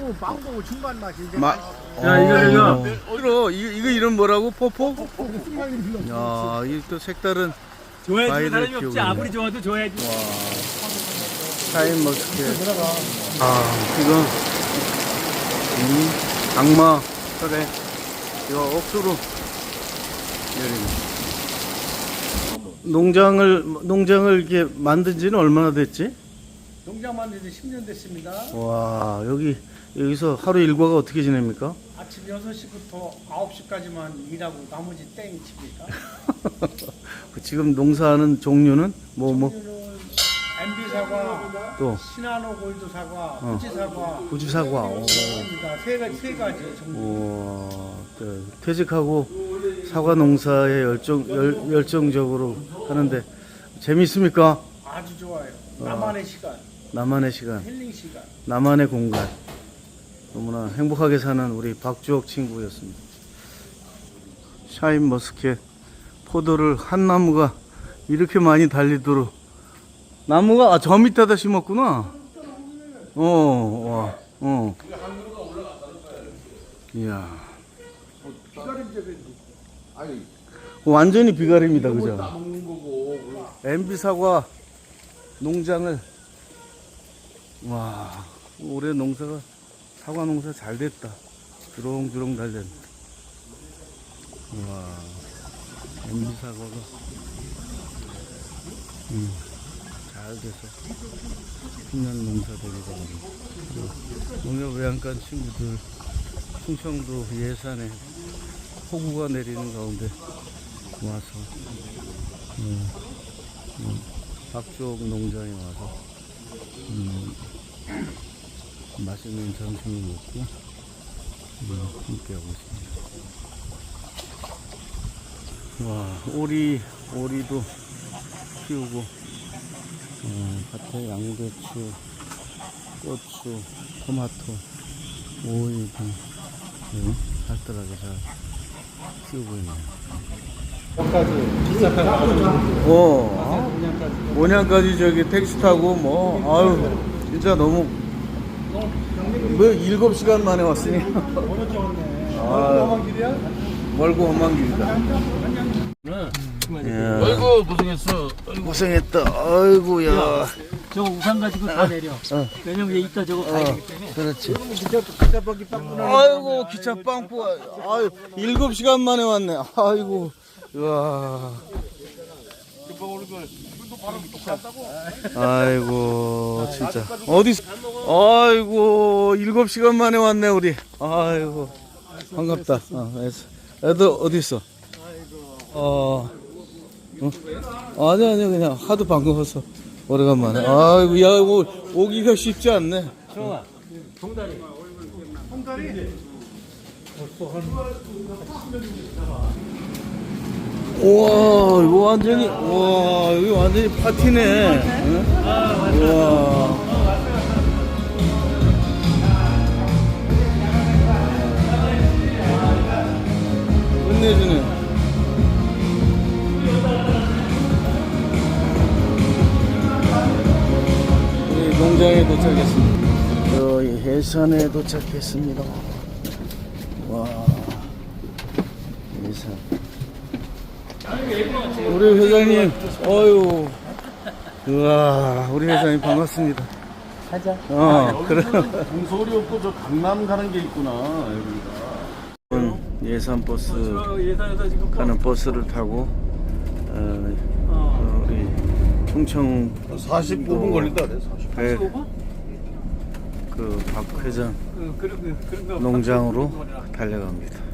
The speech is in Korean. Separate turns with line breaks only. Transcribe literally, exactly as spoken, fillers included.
빵고 빵고 중간 맛이 이제.
마,
야, 이거, 이거.
이거, 이거, 이거 이름 뭐라고? 포포?
순간이 흘러.
야, 이 또 색다른
좋아해주는
과일을
사람이 없지.
키우고
아무리 좋아도 좋아해야지.
샤인 머스켓. 아, 지금, 음, 악마, 그래. 이거 억수로 내리네. 농장을, 농장을 이렇게 만든 지는 얼마나 됐지?
농장 만든 지 십 년 됐습니다.
와, 여기, 여기서 하루 일과가 어떻게 지냅니까?
아침 여섯 시부터 아홉 시까지만 일하고 나머지 땡 칩니까?
지금 농사하는 종류는 뭐, 뭐,
엠비 사과,
또,
시나노 골드 사과,
어.
후지 사과,
후지사과. 오.
그러니까 세 가지 세 가지 종류.
오, 네. 퇴직하고 사과 농사에 열정, 열, 열정적으로 하는데 재밌습니까?
아주 좋아요. 나만의 시간,
나만의 시간,
힐링 시간.
나만의 공간. 너무나 행복하게 사는 우리 박주옥 친구였습니다. 샤인 머스켓 포도를 한 나무가 이렇게 많이 달리도록 나무가 아, 저 밑에다 심었구나. 어, 와, 어. 이야. 완전히 비가림이다, 그죠? 엠비 사과 농장을 와, 올해 농사가 사과 농사 잘 됐다. 주렁주렁 잘 됐네. 와, 엠비 사과가 음, 잘 돼서 빛나는 농사 되게 잘합니다. 오늘 외양간 친구들 충청도 예산에 폭우가 내리는 가운데 와서 음, 음, 박주옥 농장에 와서 음, 맛있는 점심을 먹고 음, 함께하고 있습니다. 와, 오리, 오리도 키우고 어, 밭에 양배추, 고추, 토마토, 오이 등 네, 살뜰하게 잘 키우고 있네요. 어, 모양까지 저기 택시 타고 뭐 아유 진짜 너무 뭐 일곱 시간 만에 왔으니 아, 멀고 험한 길이다. 야,
아이고, 고생했어.
고생했다. 아이고야.
저거 우산 가지고 다 내려.
어.
왜냐면 얘 이따 저거 가야 되기 때문에.
그렇지.
기차 바퀴 빵꾸
아이고 기차 빵꾸. 아유 일곱 시간 만에 왔네. 아이고. 와. 아이고 진짜 어디? 아이고 일곱 시간 만에 왔네 우리. 아이고 반갑다. 어, 애들 어디 있어? 어. 어? 아니 아니 그냥 하도 반가워서 오래간만에. 아이고 야 오, 오기가 쉽지 않네.
좋아. 동다리.
홍다리.
우와 이거 완전히 우와 여기 완전히 파티네. 응? 우와 끝내주네. 우리 농장에 도착했습니다. 저희 해산에 도착했습니다. 와 해산. 우리 회장님, 어유, 우와, 우리 회장님 반갑습니다.
가자.
어, 그래.
동서울이 없고 저 강남 가는 게 있구나 여기가.
예산 버스
예산에서 지금
가는 버스를 타고 어,
어.
어, 우리 충청
사십오 분 걸린다 그래. 사십.
배,
십오 분?
그 박 회장
그, 그런, 그, 그런 거.
농장으로 달려갑니다.